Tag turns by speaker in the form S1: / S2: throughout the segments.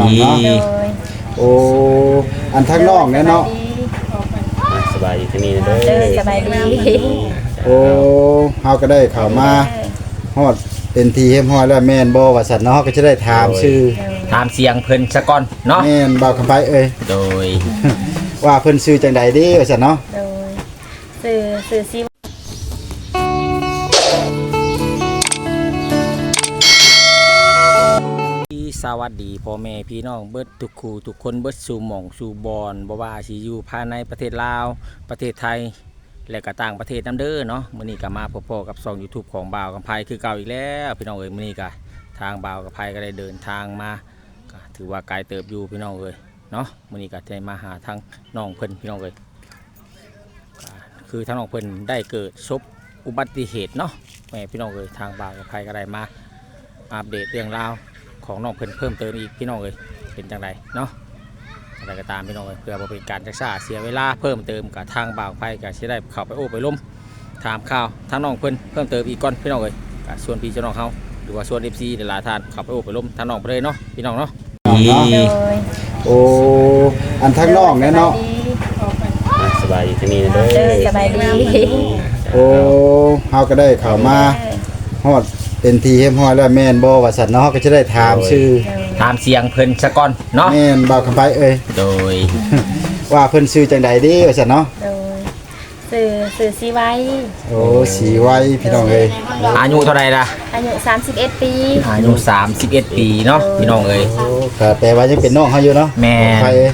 S1: องเนาะโอ้อันทั้งน้องเนี่ยเนาะ
S2: สบายดีที่นี่เด้อ
S3: สบายดี
S1: โอ้เฮาก็ได้เข้ามาฮอดเป็นทีเฮ็มฮ้อยแล้วแม่นบ่ว่าซั่นเนาะเฮาก็จะได้ถามชื่อ
S2: ถามเสียงเพิ่นซะก่อนเนาะ
S1: แม่นบ่าวคำไปเอ้ย
S2: โดย
S1: ว่าเพิ่นชื่อจังใดเด้ว่าซั่นเนาะ
S3: โดยสื่อสิ
S2: สวัสดีพ่อแม่พี่น้องเบิดทุกคู่ทุกคนเบิดสู่หม่องสู่บอนบ่ว่าสิอยู่ภายในประเทศลาวประเทศไทยและก็ต่างประเทศนำเด้อเนาะมื้อนี้ก็มาพบกับช่อง YouTube ของบ่าวกำไพคือเก่าอีกแล้วพี่น้องเอ้ยมื้อนี้ก็ทางบ่าวกำไพก็ได้เดินทางมาก็ถือว่าไกลเติบอยู่พี่น้องเอ้ยเนาะมื้อนี้ก็ได้มาหาทางน้องเพิ่นพี่น้องเอ้ยคือทางน้องเพิ่นได้เกิดศพอุบัติเหตุเนาะแม่พี่น้องเอ้ยทางบ่าวกำไพก็ได้มาอัปเดตเรื่องราวของน้องเพิ่นเพิ่มเติมอีกพี่น้องเลยเป็นจังไรเนาะอะไรก็ตามพี่น้องเลยเพื่อบ่เป็นการจักษาเสียเวลาเพิ่มเติมกับทางบ่าวไฟก็สิได้เข้าไปโอ้ไปล้มถามข่าวทางน้องเพิ่นเพิ่มเติมอีกก่อนพี่น้องเลยกับส่วนพี่เจ้าน้องเขาหรือว่าส่วน FC หลายๆท่านเข้าไปโอ้ไปล้มทางน้องไปเลยเนาะพี่น้องเนาะ
S1: โอ้อันทั้งน้องเนี่ยเนาะ
S2: สบายดีที่นี่เด้อ
S3: สบายดี
S1: โอ้เฮาก็ได้เข้ามาฮอดเป็นทีเฮ็มฮ้อยแล้วแม่นบ่ว่าซั่นเนาะเฮาก็จะได้ถามชื่อ
S2: ถามเสียงเพิ่นซะก่อนเนาะ
S1: แม่นบ่าวคำไปเอ้ย
S2: โดย
S1: ว่าเพิ่นชื่อจังใดเด้ว่าซั่นเนาะ
S3: โดยสื่อสิไว้
S1: โอ้สีไว้พี่น้องเอ้ย
S2: อายุเท่าไหร่ล่ะ
S3: อายุ31ปี
S2: อายุ31ปีเนาะพี่น้องเอ้ย
S1: โอ้ก็แต่ว่ายังเป็นน้องเฮาอยู่เนาะ
S2: แม่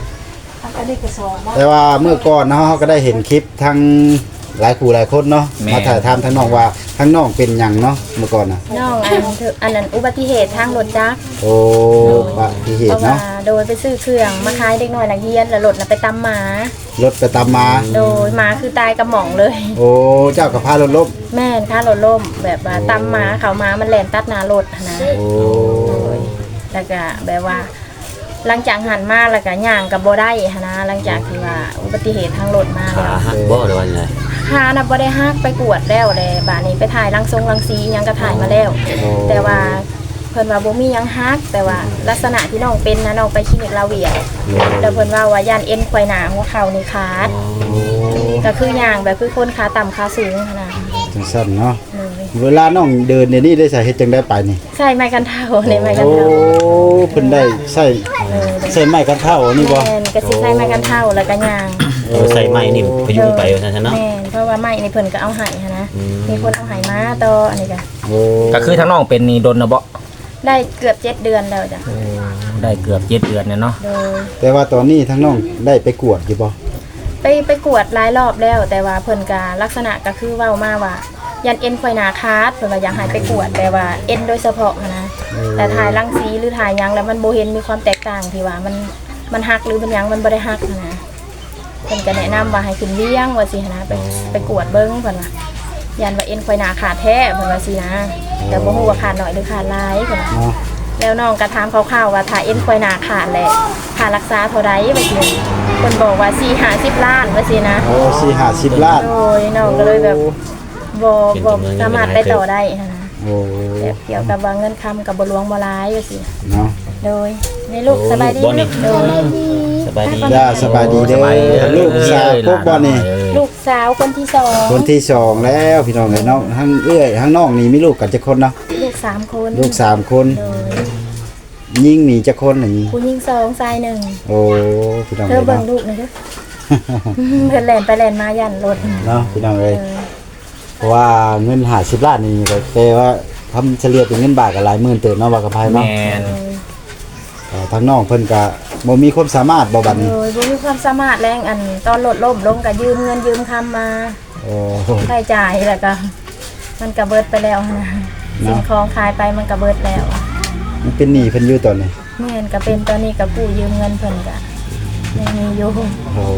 S1: แต่ว่าเมื่อก่อนเนาะเฮาก็ได้เห็นคลิปทั้งหลายคู่หลายคนเนาะมาถ่ายทำทั้งน้องว่าทั้งน้องเป็นหยังเนาะเมื่อก่อนน่ะ
S3: น้องอันนั้นอุบัติเหตุทางรถจักร
S1: โอ้อุบัติเหตุเนาะ
S3: โดยไปซื้อเครื่องมาขายเด็กน้อยนักเรียนแล้วรถน่ะไปตำหมาร
S1: ถไปตำมา
S3: โดยหมาคือตายกระหม่องเลย
S1: โอ้เจ้าก็พารถล้ม
S3: แม่นพารถล้มแบบว่าตำหมาเขามามันแล่นตัดหน้ารถนะ
S1: โอ้
S3: แล้วก็แบบว่าหลังจากหันมาแล้วก็ย่างกับบ่ได้นะหลังจากที่ว่าอุบัติเหตุทางรถมาแล้ว
S2: บ่ได้ว่าไง
S3: ขาน่ะบ่ได้ฮักไปกวดแล้วแหละบาดนี้ไปถ่ายรังสียังก็ถ่ายมาแล้วแต่ว่าเพิ่นว่าบ่มีหยังฮักแต่ว่าลักษณะที่น้องเป็นนะน้องไปคลินิกลาเวียแล้วเพิ่นว่าย่านเอ็นควายหน้าหัวเข่านี่ขาดก็คือย่างแบบคือคนขาต่ำขาสูงนะ
S1: จังซั่นเนาะเวลาน้องเดินเนี่ยนี่ได้ใส่เฮ็ดจังได้ไปนี่
S3: ใส่ไม้กันเท้าในไม้กันเท้า
S1: โอ้เพิ่นได้ใส่ไม้กันเท้านี่บ่
S3: แม่นก็สิใส่ไม้กันเท้าแล้วก็ย่าง
S2: ใส่ไม้นี่พยุงไปว่าซั่นเนาะ
S3: แม่นเพราะว่าไม้นี่เพิ่นก็เอาให้นะมีคนเอาให้มาต่ออันนี้
S2: ก็คือทั้งน้องเป็นนี่ดนนะบ่
S3: ได้เกือบ7เดือนแล้วจ้ะ
S2: ได้เกือบ7เดือนเนี่ยเนาะ
S1: แต่ว่าตอนนี้ทั้งน้องได้ไปกวดอยู่บ่
S3: ไปกวดหลายรอบแล้วแต่ว่าเพิ่นก็ลักษณะก็คือเว้ามาว่ายันเอ็นควายหนาคาดเพิ่นว่าอยากให้ไปกวดแต่ว่าเอ็นโดยเฉพาะนะแต่ถ่ายรังสีหรือถ่ายยังแล้วมันบ่เห็นมีความแตกต่างที่ว่ามันหักหรือมันยังมันบ่ได้หักนะเพิ่นก็แนะนำว่าให้ขึ้นเลี้ยงว่าสินะไปกวดเบิ่งเพิ่นว่ายันว่าเอ็นควายหนาขาดแท้เพิ่นว่าสินะแต่บ่ฮู้ว่าขาดน้อยหรือขาดหลายเพิ่นว่าแล้วน้องก็ถามคร่าวๆว่าถ้าเอ็นควายหนาขาดแหละค่ารักษาเท่าใดว่าสิเพิ่นบอกว่า4-50 ล้านว่าสินะ
S1: โอ้4-50 ล้าน
S3: โอ้ยน้องก็เลยแบบบ่สามารถไปต่อได้นะ
S1: โอ้
S3: แบบเกี่ยวกับว่าเงินคำกับบ่หลวงบ่หลายว่าสิ
S1: เนาะ
S3: โดยในลูกสบายดีโดย
S2: สบายดี
S1: สบายดีเด้อลูกสาวพวกบ่นี่
S3: ลูกสาวคนที่2
S1: คนที่2แล้วพี่น้องเอ้ยน้องทั้งเอื้อยทั้งน้องนี่มีลูกกันจักคนเนาะ
S3: ลูก3คน
S1: ลูก3คนยิงนี่จักคนนี่
S3: ผู้หญิง2ชาย1
S1: โอ้พี่น้อง
S3: เธอเบิ่งลูกหน่อยเด้อเพิ่นแล่นไปแล่นมายันรถ
S1: เนาะพี่น้องเอ้ยเพราะว่าเงิน50 ล้านนี่ก็แปลว่าทำเฉลี่ยเป็นเงินบาทก็หลายหมื่นเติบเนาะว่ากับไผเนาะ
S2: แม่น
S1: ทางน้องเพิ่นก็บ่มีความสามารถบ่บัดนี้
S3: บ่มีความสามารถแรงอันตอนรถล้มลงก็ยืมเงินยืมคำมา
S1: โอ้
S3: ใช้จ่ายแล้วก็มันก็เบิดไปแล้วนะสิ่งของขายไปมันก็เบิดแล้ว
S1: มันเป็นหนี้เพิ่นอยู่ตอนนี้
S3: แม่นก็เป็นตอนนี้ก็กู้ยืมเงินเพิ่นก็ยังมีอยู่
S1: โอ้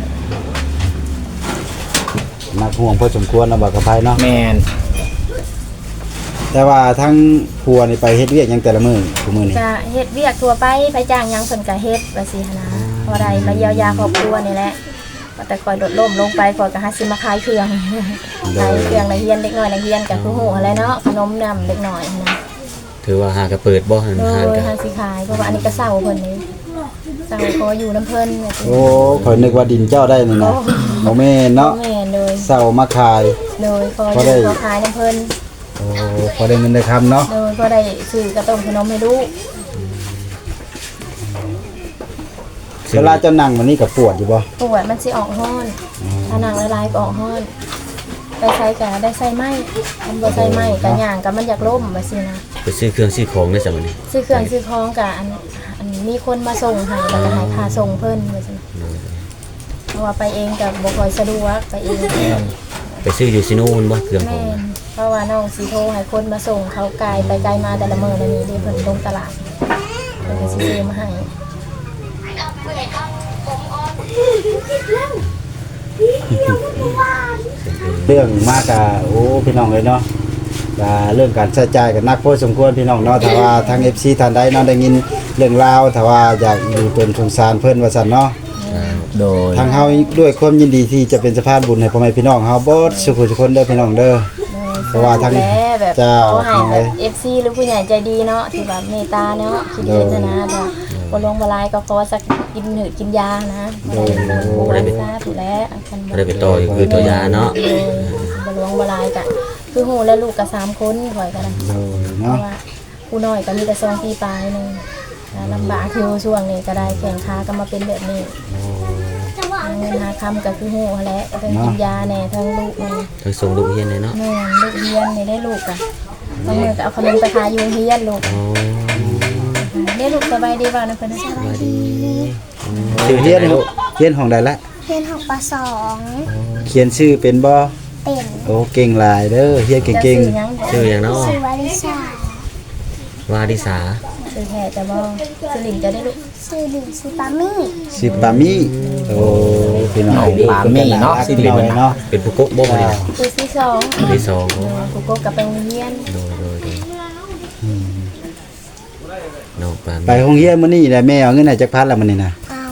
S1: นักห่วงพอสมควรนะบ่กับไผเนาะ
S2: แม่น
S1: แต่ว่าทั้งผัวนี่ไปเฮ็ดเวียกหยังแต่ละมื้อทุกมื้อนี่
S3: ก็เฮ็ดเวียกทั่วไปไปจ้างหยังเพิ่นก็เฮ็ดว่าสินะพอได้มาเยียวยาครอบครัวนี่แหละแต่คอยลดล้มลงไปก่อนก็หาซื้อมาขายเครื่องขายเครื่องนักเรียนเด็กน้อยนักเรียนก็คือฮู้อะไรเนาะขนมนำเด็กน้อยนะ
S4: ถือว่าหากระเปิดบ่หัน
S3: โด
S4: หาน
S3: ย
S4: ก็
S3: หาสิขายเพราะว่าอันนี้ก็เศร้าเพิ่นนี่เศร้าขออยู่น้ำเพิ่นแบบ
S1: โอ้ข่อยนึกว่าดินเจ้าได้นี่นะบ่แม่นเนาะ
S3: แม่นเลย
S1: เศร้ามาขาย
S3: โดยขออ
S1: พอได้
S3: ยู่ขอขายน้ำเพิ่น
S1: โอ้พอได้เงินได้คำเนาะ
S3: โดยก็ได้ซื้อกระต้มขนมให้ลูก
S1: เวลาเจ้านั่งวันนี้ก็ปวดอยู่บ่
S3: ปวดมันสิออกห้อนถ้าหนังละลายก็ออกห้อนไปใส่กะได้ใส่ไหมมันบ่ใส่ไหมกะย่างกะมันอยากล่มว่าซี่นะ
S4: ไปซื้อเครื่องซื้อของได้ซั่นมื้อนี้
S3: ซื้อเครื่องซื้อของกะอันมีคนมาส่งให้แล้วก็ให้ค่าส่งเพิ่นว่าซี่เพราะว่าไปเองก็บ่ค่อยสะดวกไปเอง
S4: ไปซื้ออยู่ซิโน่นบ่เครื่องขอ
S3: แม่
S4: ง
S3: นเพราะว่าน้องสิโทรให้คนมาส่งเขาไกลไปไกลมาแต่ละมื้อแล้วนี่ที่เพิ่นลงตลาดเพิ่นก็สิซื้อมาให้
S1: เรื่องมากะโอ้พี่น้องเลยเนาะก็เรื่องการใช้จ่ายก็นักพอสมควรพี่น้องเนาะถ้าว่าทาง FC ท่านใดเนาะได้ยินเรื่องราวถ้าว่าอยากอยู่เป็นสงสารเพิ่นว่าซั่นเนาะ
S2: โดย
S1: ทางเฮาด้วยความยินดีที่จะเป็นสะพานบุญให้พ่อแม่พี่น้องเฮาเบิดสุขทุกคนเด้อพี่น้องเด้อ เพราะว่าทาง
S3: แม่แบบ
S1: เจ้า
S3: ขอให้แบบ FC หรือผู้ใหญ่ใจดีเนาะที่แบบเมตตาเนาะคิดเห็นนะแต่บ่ลงบ่ลายก็ขอสักกินหืดกินยานะบ่ได้เป็นซาถูกแล้วคัน
S4: บ่ได้ไปต่ออยู่คือตัวยาเนาะ
S3: บ่ลงบ่ลายก็คือฮู้แล้วลูกก็3คนข่อยก็ได้
S1: โดย
S3: เพ
S1: เนาะ
S3: ราะว่าผู้น้อยก็มีแต่2ปีปลายนึงลำบากคือช่วงนี้ก็ได้แข่งขาก็มาเป็นแบบนี้เงินหาคำก็คือฮู้แหละก็ต้องกินยาแน่ทั้งลูกมัน
S4: ทั้งส่งลูกเรียนเลยเนาะ
S3: แม่ลูกเรียนนี่ได้ลูกอ่ะบางมื้อก็เอาขนมไปขายอยู่โรงเรียนลูก
S4: อ๋อ
S3: ได้ลูกสบายดีบ่นะเพิ่นน่ะ
S4: สวัสดี
S1: ชื่อเฮียนเฮียนของใดละ
S5: เรียน6ป
S1: เขียนชื่อเป็นบ่
S5: .2 เป็น
S1: โอ้เก่งหลายเด้อเฮียน
S3: จะ
S1: เก่ง
S3: ซื้อหยัง
S4: ชื่อหยังเนาะ
S5: ชื่อวาริชาว
S4: าดิสา
S3: ซื้อแท้จะบ่ซื้อหลิงจะได้ลูก
S5: ชื่อดิงชื่อปามี่
S1: ๆสิปามิโอ้พี่น้อง
S2: ปามี่เนาะ
S1: พี่น้องเนาะ
S4: เป็นผู้กกบ่มื้อนี้
S3: ซื้อที่สอง
S4: ที่สองโอ้
S3: กูก็กลับไปโรงเรียน
S4: โดยน้องปาน
S1: ไปโรงเรียนมื้อนี้แหละแม่เอาเงินให้จักพันละมื้อนี้นะ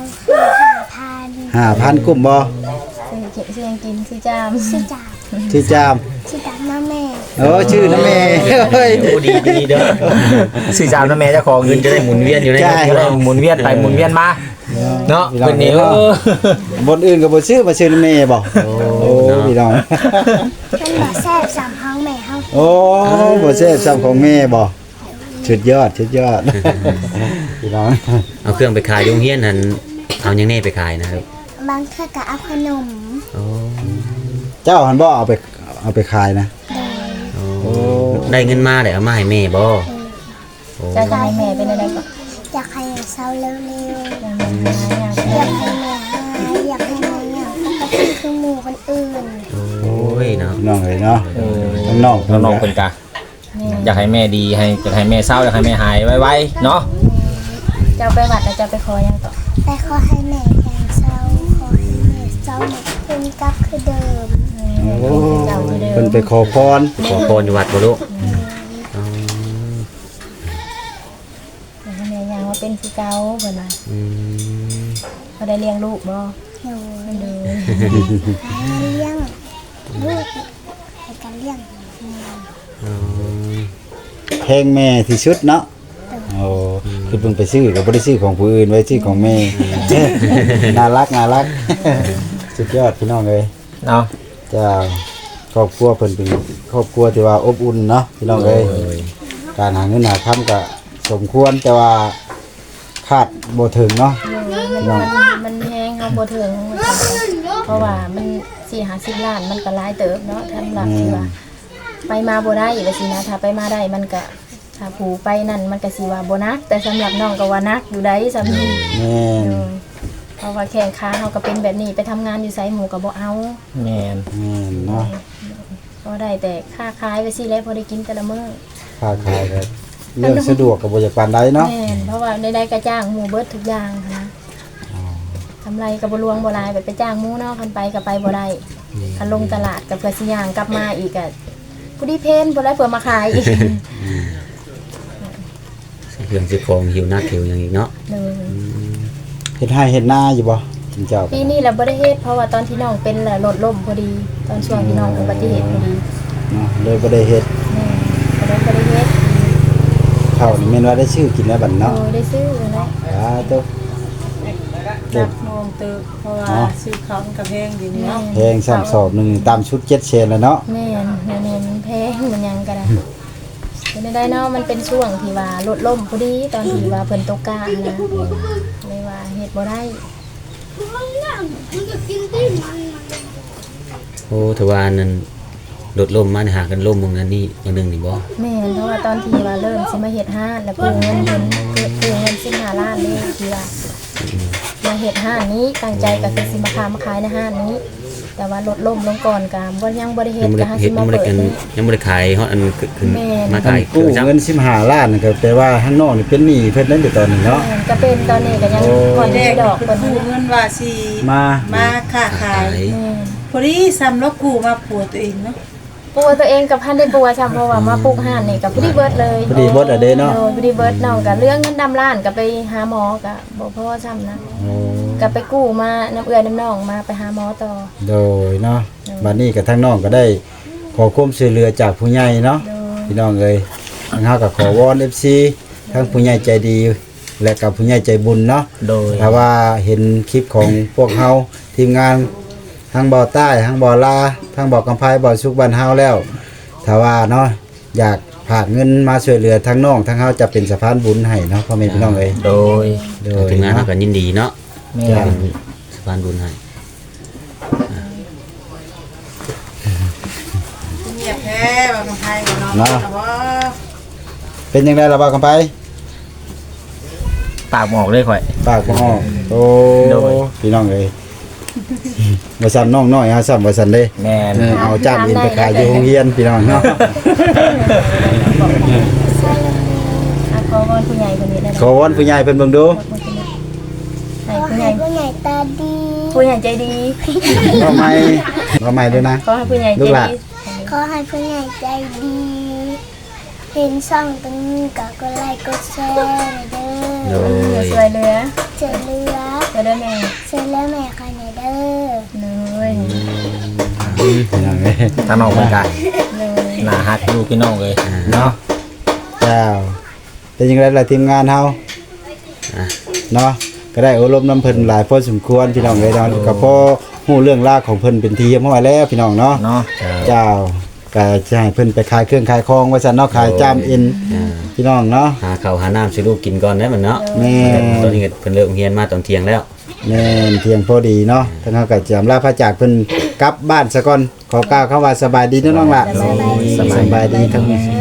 S5: เอา
S1: 5,000กุ้มบ่
S3: ซื้อหยังกินซื้อจาม
S5: ชื่อจ่า
S1: ชื่อจาม
S5: ชื่อจ่ามาแม่
S1: โอ้ชื่อนะแม่เฮ้ย
S4: โอ้ดีเด้อ
S2: สื่อสารนะแม่เจ้าของ
S4: เงินจะได้หมุนเวียนอยู่ใน
S1: ใช่
S2: จะได้หมุนเวียนไปหมุนเวียนมาเนาะ
S1: พี่น้อง
S2: เป็นนี่
S1: เนาะ บนอื่นก็บ่ชื่อมาชื่อนะแม่บ่โอ้พี่น้อง
S5: มันบ่แซ่บ3ห้องแม่เฮา
S1: โอ้บ่แซ่บซ้ำของแม่บ่สุดยอดสุดยอดพี่น้อง
S4: เอาเครื่องไปขายโรงเรียนนั้นเอาหยังแน่ไปขายนะครับ
S5: บางเทื่อก็เอาขนม
S4: โอ้
S1: เจ้าหันบ่เอาไปขายนะ
S4: โอ้ได้เงินมาได้เอามาให้แม่บ่โอ้
S3: จะให้แม่เป็นอะไรก็
S5: อยากให้เศร้าเร็ว
S3: ยังไม่หาอย่าง
S5: ๆอยากให้แม่หายอยากให้แม่เนี่ยปกติคือหมู่คนอื่น
S4: โอ้ยเนาะ
S1: พี่น้องเลยเนาะทั้งน้อง
S2: น้องๆเป็นกะอยากให้แม่ดีให้อยากให้แม่เศร้าอยากให้แม่หายไวๆเนาะ
S3: เจ้าไปวัดแล้วเจ้าไปขอยังต่อ
S5: แต่ขอให้แม่แข็งเศร้าขอให้แม่เศร้าหมดเป็นกลับคือเดิม
S1: โอ้
S3: เจ้าอยู่เดิ
S1: เพิ่น
S3: ม
S1: ไปขอพร
S4: ขอพรอยู่วัดบ่ลูกอ๋อ
S3: ให้แม่ยังว่าเป็นคือเก่าเพิ่นว่า
S4: อืม
S3: เขาได้เลี้ยงลูกบ่
S5: หนู
S3: เด้อ
S5: เลี้ยงลูกในการเลี้ยง
S4: อ๋อ
S1: แพงแม่ที่สุดเนาะโอ้คือเพิ่นไปซื้อก็บ่ได้ซื้อของผู้อื่นไว้ซื้อของแม่ น่ารักน่ารักสุดยอดพี่น้องเลย
S2: เนาะ
S1: เจ้าครอบครัวเพิ่นเป็นครอบครัวที่ว่าอบอุ่นเนาะพี่น้องเอ้ยการหาเงินหาค่ำก็สมควรแต่ว่าคาดบ่ถึงเนาะ
S3: มันแฮงเฮาบ่ถึงเพราะว่ามัน4-50ล้านมันก็หลายเติบเนาะสำหรับที่ว่าไปมาบ่ได้ว่าสินะถ้าไปมาได้มันก็ถ้าผู้ไปนั่นมันก็สิว่าบ่นักแต่สำหรับน้องก็ว่านักอยู่ได้สำหรับ
S1: แม่น
S3: เพราะว่าแข่งขาเขาก็เป็นแบบนี้ไปทำงานอยู่ไสหมู่ก็บ่เอา
S2: แม่น
S1: แม่นเนาะ
S3: ก็ได้แต่ค่าขายไปสิแล้วพอได้กินแต่ละมื้อ
S1: ค้าขายก็เรื่องสะดวกก็บ่อยากปานใดเนาะ
S3: แม่นเพราะว่าได้ก็จ้างหมู่เบิดทุกอย่างหั้นนะทำไรก็บ่ลวงบ่หลายแบบไปจ้างหมู่เนาะคันไปก็ไปบ่ได้คันลงตลาดก็เพื่อสิย่างกลับมาอีกก็ผู้ดีเพนบ่ได้เพื่อมาขายอีก
S4: เครื่องซื้อของหิวหน้าหิวอย่างอีกเนาะ
S3: เลย
S1: เฮ็ดให้เฮ็ดนาอยู่บ่จริงเจ้า
S3: ปีนี้เราบ่ได้เฮ็ดเพราะว่าตอนที่น้องเป็นแหละรถล้มพอดี ตอนช่วงที่น้องอุบัติเหตุพอดี
S1: เนาะเลยบ่ได้เฮ็ด
S3: แม่ก็เลยบ่ได้เฮ็ด
S1: ข้าวนี่แม่นว่าได้ชื่อกินแล้วบัดเนาะ
S3: โอ้ได้ซื้อเนาะ
S1: ตัว
S6: จักโมงตึกเพราะว่าซื้อเขามันกับแพงอยู่นี่เนาะ
S1: แพงซ้ำสอบหนึงตามชุด7เชนแล้วเนาะ
S3: แม่นแม่นมันแพงมันหยังก็ได้เป็นได้เนาะมันเป็นช่วงที่ว่าลดล่มพอดีตอนที่ว่าเพิ่นตกกานะเลยว่าเฮ็ดบ่ได้
S4: โอ้ถือว่านั่นโดดล่มมานี่หากันล่มมึงอันนี้อันหนึงนี่บ่
S3: แม่นเพราะว่าตอนที่ว่าเริ่มสิมาเฮ็ดห้านแล้วกู้เงินเพิ่นกู้เงิน15ล้านเลยที่ว่ามาเฮ็ดห้านนี้ตั้งใจก็คือสิมาขายในห้านนี้ แต่ว่าลดล่มลงก่อนก็บ่ยังบ่ได้เฮ็
S4: ยั
S3: ด
S4: งบ่
S3: ก็
S4: ได้
S3: หา
S4: เฮ็
S3: สิ
S4: ด
S3: มา
S4: ยังบ่ได้
S3: เปิด
S4: กัน
S3: นี่
S4: ยังบ่ได้ขายเฮาอันขึ้น
S3: แม่น
S4: มา
S1: อั
S4: ขาย
S1: นกู้
S4: จัง
S1: เงิน15ล้านนี่ก็แปลว่าข้างนอกนี่เป็นหนี้เพิ่นนั่นอยู่ตอนนี้เนาะ
S3: แม่นก็เป็นตอนนี้ก็ยังผ่อน
S6: แร
S3: ที่
S6: ก
S3: ดอก
S6: คือ
S3: เพิ่น
S6: กู้เงินว่าสิ
S1: มา
S6: มาค้าขาย
S3: แม่น
S6: พอดีซ้ำแล้วกู้มาผัวตัวเองเนาะ
S3: ปัวตัวเองกับพันได้ปัวซ้ำเพราะว่ามาปลูกห่านนี่กับพอดีเบิดเลย
S1: พอดีเบิดอะเด้เนาะ
S3: โดยพอดีเบิดน้องกับเรื่องเงินดำล้านกับไปหาหมอกับบ่พอซ้ำนะ
S1: โอ้
S3: กับไปกู้มาน้ำเอื้อน้ำน้องมาไปหาหมอต่อ
S1: โดยเนาะบัดนี้ก็ทั้งน้องก็ได้ขอความช่วยเหลือจากผู้ใหญ่เนาะ
S3: โดย
S1: พี่น้องเอ้ยทางเฮาก็ขอวอน FC ทั้งผู้ใหญ่ใจดี และกับผู้ใหญ่ใจบุญเนาะ
S2: โดย
S1: ถ้าว่าเห็นคลิปของพวกเฮาทีมงานทั้งบ่อใต้ทั้งบ่อลาทั้งบ่อกำไพบ่อสุกบ้านเฮาแล้วถ้าว่าเนาะอยากฝากเงินมาช่วยเหลือทั้งน้องทั้งเฮาจะเป็นสะพานบุญให้เนาะพ่อแม่พี่น้องเอ้ย
S2: โดย
S1: โดย
S4: ทีมงาน
S1: เนาะ
S4: เฮาก็ยินดีเนาะ
S2: แม่
S1: จ้ะ
S4: เป็นสะพานบุญให้
S6: เงียบแท้ว่าคนไทยบ่เนาะแต่ว่า
S1: เป็นยังไงล่ะบ่าวกำไพ
S2: ปากหมอกเลยข่อย
S1: ปากบ่ออกโอ้
S2: โดย
S1: พี่น้องเอ้ยบ่สั่นน้องน้อยเฮาสั่นบ่สั่นเด้
S2: แม่น
S1: เอาจานอินไปขายอยู่โรงเรียนพี่น้องเนาะ
S3: อ่ะขอวอนผู้ใหญ่คนนี้ได้ไหม
S1: ขอวอนผู้ใหญ่เพิ่นเบิ่งดู
S3: ให้
S5: ขอ
S3: ผู้ให
S5: ให้
S3: ญ่
S5: ผู้ใหญ่ตาดี
S3: ผู้ใหญ่ใจดี
S1: เอาใหม่ด้วยนะ
S3: ขอให้ผู้ใหญ่ใจ
S1: ลูกหลาน
S3: ดี
S5: ขอให้ผู้ใหญ่ใจดี เห็นช่องตรงนี้ก็กดไลค์กดแชร์หน่อยเด้
S4: โด
S5: อย
S3: สวยเหลือ
S5: เจอเรือ
S3: จะได้แม่
S5: เจอแล้วแม่ใครหน่อยเด้อ
S3: เลย
S1: พี่น้องเอ้ย
S2: ทางน้องเหมือนกัน
S3: เลย
S2: หน้าฮักอยู่พี่น้องเลย
S1: เนาะเจ้าเป็นยังไงล่ะทีมงานเฮา
S4: อ่ะ
S1: เนาะก็ได้อบรมน้ำเพิ่นหลายพอสมควรพี่น้องเอ้ยเนาะก็พอฮู้เรื่องราวของเพิ่นเป็นทีเรียบร้อยแล้วพี่น้องเนาะ
S2: เนาะ
S1: เจ้าก็จะให้เพิ่นไปขายเครื่องขายของว่าซั่นเนาะขายจามเอ็น
S4: อ่า
S1: พี่น้องเนาะ
S4: หาข้าวหาน้ำสิลูกกินก่อนได้มันเนาะ
S1: แม่
S4: ตอนนี้ก็เพิ่นเลิกเรียนมาตอนเที่ยงแล้ว
S1: แม่นเพียงพอดีเนาะทั้งเฮาก็จะอำลาพระจากเพิ่นกลับบ้านซะก่อนขอกล่าวคำว่าสบายดีเนาะน้องล่ะสบายดีทั้ง